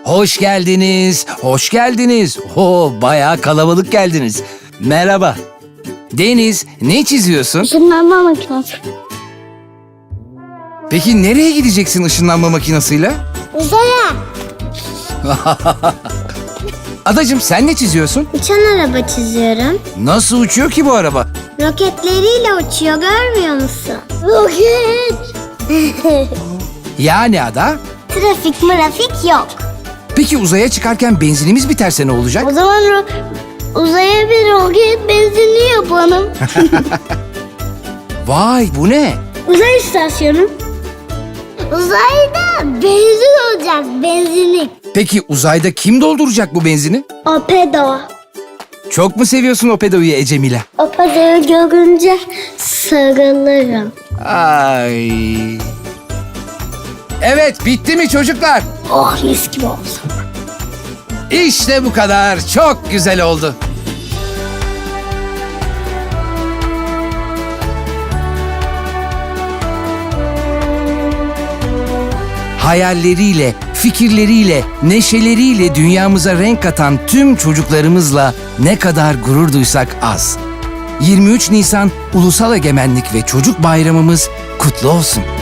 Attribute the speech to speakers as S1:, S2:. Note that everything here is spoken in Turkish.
S1: Hoş geldiniz, hoş geldiniz. Bayağı kalabalık geldiniz. Merhaba. Deniz, ne çiziyorsun?
S2: Işınlanma makinesi.
S1: Peki nereye gideceksin ışınlanma makinesiyle?
S2: Uzaya.
S1: Adacığım sen ne çiziyorsun?
S2: Uçan araba çiziyorum.
S1: Nasıl uçuyor ki bu araba?
S2: Roketleriyle uçuyor, görmüyor musun? Roket.
S1: Yani Ada?
S2: Trafik mırafik yok.
S1: Peki uzaya çıkarken benzinimiz biterse ne olacak?
S2: O zaman uzaya bir roket benzinli yapalım.
S1: Vay, bu ne?
S2: Uzay istasyonu. Uzayda benzin olacak, benzinlik.
S1: Peki uzayda kim dolduracak bu benzini?
S2: Opedo.
S1: Çok mu seviyorsun o pedoyu Ecemile?
S2: Opedo'yu görünce sarılırım.
S1: Ay. Evet, bitti mi çocuklar?
S2: Oh, mis gibi oldu.
S1: İşte bu kadar. Çok güzel oldu. Hayalleriyle, fikirleriyle, neşeleriyle dünyamıza renk katan tüm çocuklarımızla ne kadar gurur duysak az. 23 Nisan Ulusal Egemenlik ve Çocuk Bayramımız kutlu olsun.